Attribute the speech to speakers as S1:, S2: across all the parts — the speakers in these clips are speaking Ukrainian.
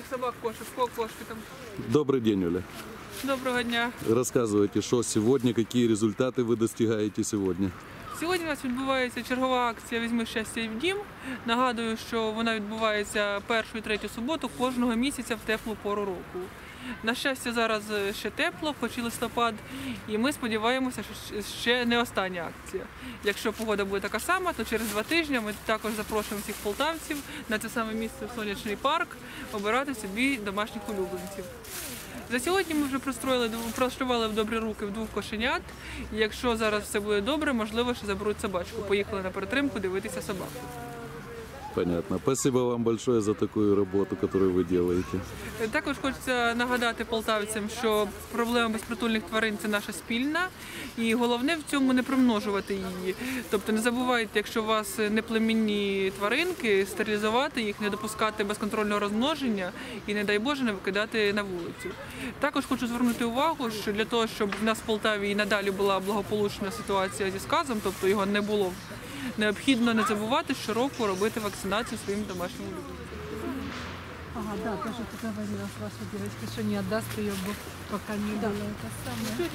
S1: собак кошек, сколько кошки там?
S2: Добрый день, Оля.
S1: Доброго дня.
S2: Рассказывайте, что сегодня, какие результаты вы достигаете сегодня?
S1: Сьогодні у нас відбувається чергова акція «Візьми щастя в дім». Нагадую, що вона відбувається першу і третю суботу кожного місяця в теплу пору року. На щастя, зараз ще тепло, хоч і листопад, і ми сподіваємося, що ще не остання акція. Якщо погода буде така сама, то через 2 тижні ми також запрошуємо всіх полтавців на це саме місце в Сонячний парк обирати собі домашніх улюбленців. За сьогодні ми вже пристроювали в добрі руки 2 кошенят. І якщо зараз все буде добре, можливо, ще заберуть собачку. Поїхали на перетримку дивитися собаку.
S2: Понятно. Спасибо вам большое за такую работу, которую вы делаете.
S1: Також хочеться нагадати полтавцям, що проблема безпритульних тварин – це наша спільна. І головне в цьому не примножувати її. Тобто не забувайте, якщо у вас неплемінні тваринки, стерилізувати їх, не допускати безконтрольного розмноження і, не дай Боже, не викидати на вулицю. Також хочу звернути увагу, що для того, щоб в нас в Полтаві і надалі була благополучна ситуація зі сказом, тобто його не було, необхідно не забувати щороку робити вакцинацію своїм домашнім улюбленцям.
S3: Ага, да, тоже ты говорила с вашей девочкой, что не отдаст ее, пока не было это самое.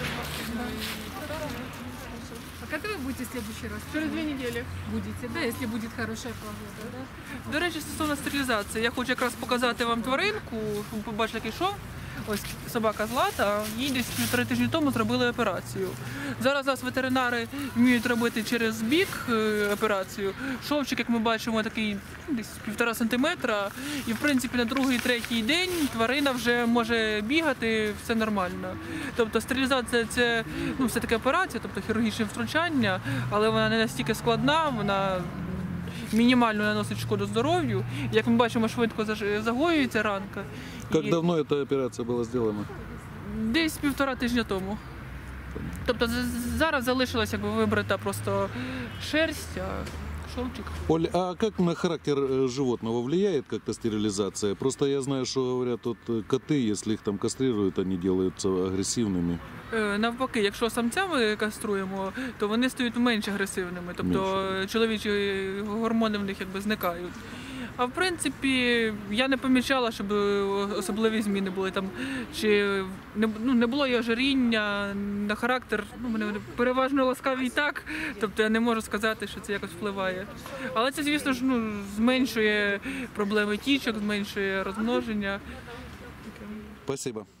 S3: А когда вы будете в следующий раз?
S1: Через 2 недели.
S3: Будете, да, если будет хорошая погода, да?
S1: До речі, стосовно стерилізації, я хочу якраз показати вам тваринку, щоб ви побачили, який шов. Ось собака Злата, їй десь 1,5 тижні тому зробили операцію. Зараз нас ветеринари вміють робити через бік операцію. Шовчик, як ми бачимо, такий десь 1,5 сантиметра. І, в принципі, на 2-3 день тварина вже може бігати, все нормально. Тобто стерилізація – це все-таки операція, тобто хірургічне втручання, але вона не настільки складна, вона мінімально наносить шкоду здоров'ю. Як ми бачимо, швидко загоюється ранка.
S2: Как давно эта операция была сделана?
S1: Десь 1,5 тижня тому. Тобто зараз залишилась вибрита просто шерсть, а шовчик.
S2: Оль, а как на характер животного влияет как-то стерилизация? Просто я знаю, что говорят, коты, если их там кастрируют, они делаются агрессивными.
S1: Навпаки, якщо самця ми каструємо, то вони стають менш агресивними, тобто чоловічі гормони в них зникають. А в принципі, я не помічала, щоб особливі зміни були там, чи не було і ожиріння, на характер, мене переважно ласкаві і так, тобто я не можу сказати, що це якось впливає. Але це, звісно ж, зменшує проблеми тічок, зменшує розмноження.
S2: Спасибо.